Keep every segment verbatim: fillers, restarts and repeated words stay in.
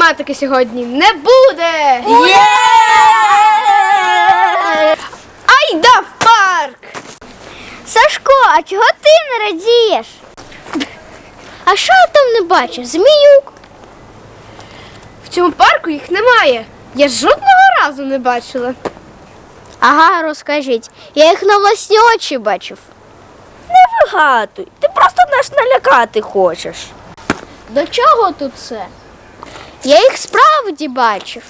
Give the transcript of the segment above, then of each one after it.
математики сьогодні не буде! Є! Айда в парк! Сашко, а чого ти не радієш? А що я там не бачу? Зміюк. В цьому парку їх немає. Я жодного разу не бачила. Ага, розкажіть. Я їх на власні очі бачив. Не вигадуй, ти просто нас налякати хочеш. До чого тут це? Я їх справді бачив.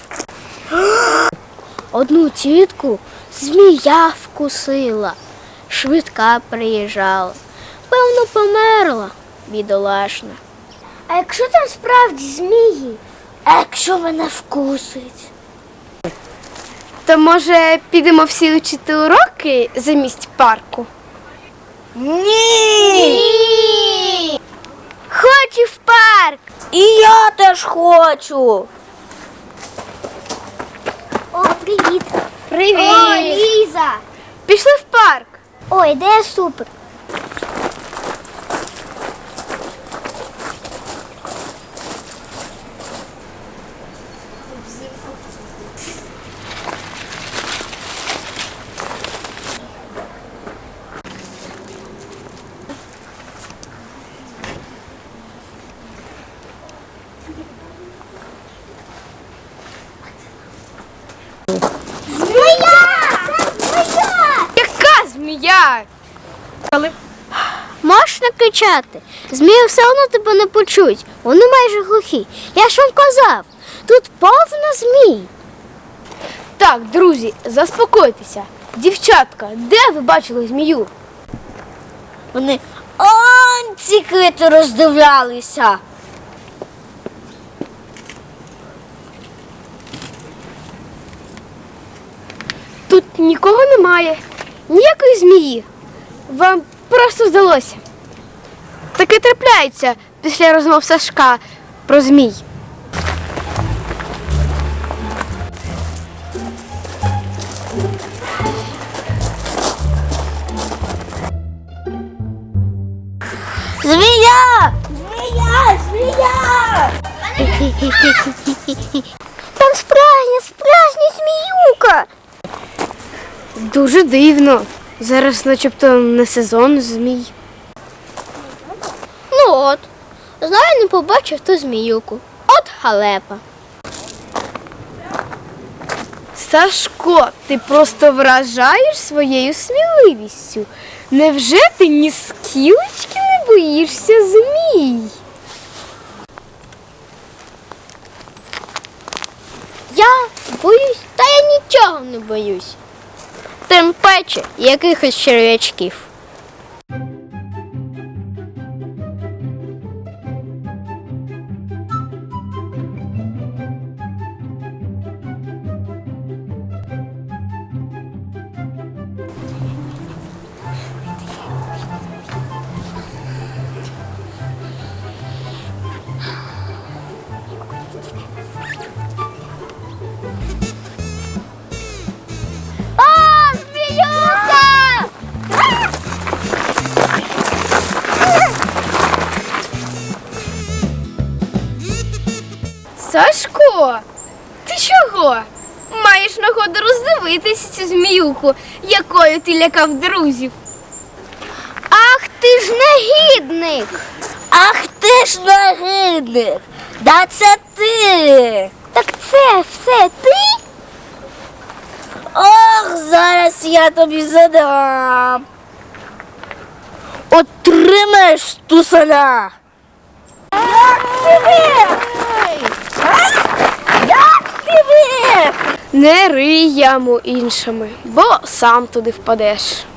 Одну тітку змія вкусила. Швидка приїжджала. Певно, померла, бідолашна. А якщо там справді змії? А якщо мене вкусить? То, може, підемо всі вчити уроки замість парку? Ні! Ні! Хочу в парк! І я теж хочу. О, привіт! Привіт! О, Ліза! Пішли в парк. Ой, ідея супер! Змія! Це змія! Яка змія? Можеш не кричати. Змії все одно тебе не почують. Вони майже глухі. Я ж вам казав, тут повно змій. Так, друзі, заспокойтеся. Дівчатка, де ви бачили змію? Вони он ці квіти роздивлялися. Тут нікого немає. Ніякої змії. Вам просто здалося. Таке трапляється після розмов Сашка про змій. Змія! Змія! Змія! Там справжня, справжня зміюка. Дуже дивно. Зараз начебто не сезон змій. Ну от, знаю, не побачив ту зміюку. От халепа. Сашко, ти просто вражаєш своєю сміливістю. Невже ти ні скілечки не боїшся змій? Я боюсь, та я нічого не боюсь. Тим паче якихось черв'ячків. О, зміюка! Сашко, ти чого? Маєш нагоду роздивитись цю зміюку, якою ти лякав друзів. Ах ти ж негідник! Ах ти ж нагидник! Да це ти! Так це все ти? Ох, зараз я тобі задам. Отримаєш тусаля. Як ти вик? Як ти вик? Не рий яму іншими, бо сам туди впадеш.